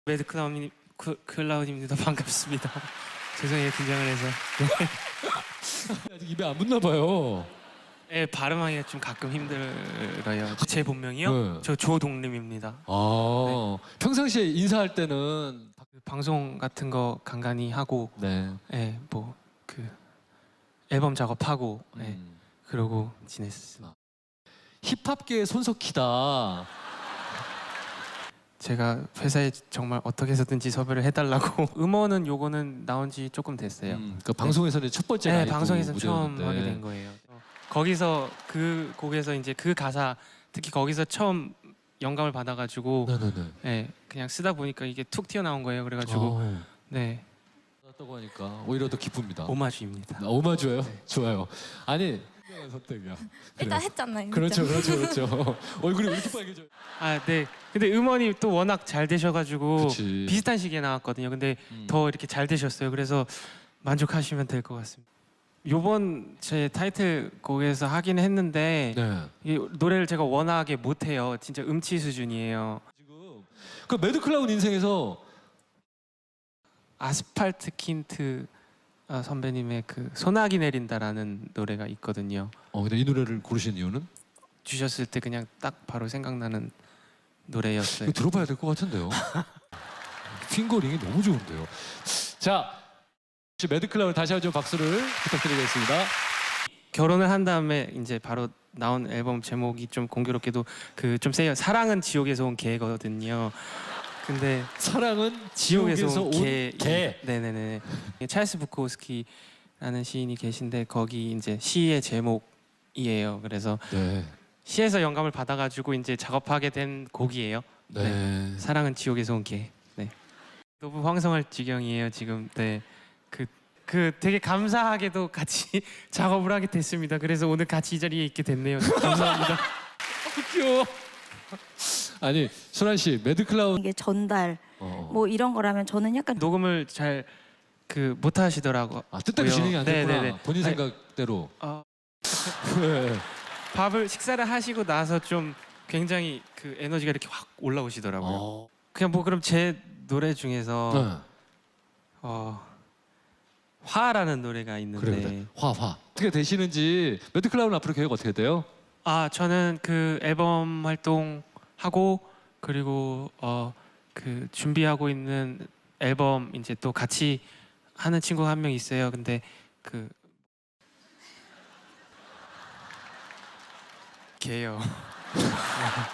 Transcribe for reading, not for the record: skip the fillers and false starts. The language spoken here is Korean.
클라우드입니다. 반갑습니다. 죄송해요, 긴장을 해서. 아직 입에 안 붙나 봐요. 네, 발음하기가 좀 가끔 힘들어요. 제 본명이요? 네. 저 조동림입니다. 평상시에 인사할 때는 방송 같은 거 간간히 하고, 네. 네, 뭐 그 앨범 작업하고, 네, 그러고 지냈습니다. 힙합계의 손석희다. 제가 회사에 정말 어떻게 해서든지 섭외를 해달라고. 음원은 요거는 나온 지 조금 됐어요. 그 방송에서는 첫 번째 네, 라이브 방송에서 처음 무대였는데. 하게 된 거예요. 거기서 그 곡에서 이제 그 가사 특히 거기서 처음 영감을 받아가지고 네네네. 네, 그냥 쓰다 보니까 이게 툭 튀어나온 거예요. 그래가지고 네, 나왔다고 하니까 오히려 더 기쁩니다. 오마주입니다. 오마주예요? 네. 좋아요. 아니 선택이야. 일단 그래. 했잖아요. 그렇죠, 그렇죠. 얼굴이 왜 이렇게 빨개져? 아, 네. 근데 음원이 또 워낙 잘 되셔가지고 그치. 비슷한 시기에 나왔거든요. 근데 더 이렇게 잘 되셨어요. 그래서 만족하시면 될 것 같습니다. 요번 제 타이틀곡에서 하긴 했는데 네. 이 노래를 제가 워낙에 못해요. 진짜 음치 수준이에요. 지금 그 매드클라운 인생에서 아스팔트 킨트 선배님의 그 소나기 내린다라는 노래가 있거든요. 근데 이 노래를 고르신 이유는? 주셨을 때 그냥 딱 바로 생각나는 노래였어요. 이거 들어봐야 될 것 같은데요. 핑거링이 너무 좋은데요. 자, 매드클라운 다시 한번 박수를 부탁드리겠습니다. 결혼을 한 다음에 이제 바로 나온 앨범 제목이 좀 공교롭게도 그 좀 세요. 사랑은 지옥에서 온 개거든요. 근데 사랑은 지옥에서 온 개. 개. 네네네. 찰스 부코스키라는 시인이 계신데 거기 이제 시의 제목이에요. 그래서 네. 시에서 영감을 받아가지고 이제 작업하게 된 곡이에요. 네. 사랑은 지옥에서 온 개. 네. 너무 황성할 지경이에요 지금. 네. 그 되게 감사하게도 같이 작업을 하게 됐습니다. 그래서 오늘 같이 이 자리에 있게 됐네요. 감사합니다. 귀여워. 아니 순환 씨 매드클라운 이게 전달 뭐 이런 거라면 저는 약간 녹음을 잘 그 못 하시더라고. 뜻대로 진행이 안 됐구나. 네네네. 본인 아니, 생각대로. 네. 식사를 하시고 나서 좀 굉장히 그 에너지가 이렇게 확 올라오시더라고요. 그냥 뭐 그럼 제 노래 중에서 화라는 노래가 있는데 그래. 화. 어떻게 되시는지 매드클라운 앞으로 계획 어떻게 돼요? 저는 그 앨범 활동하고 그리고 그 준비하고 있는 앨범 이제 또 같이 하는 친구가 한 명 있어요. 근데 그 걔요.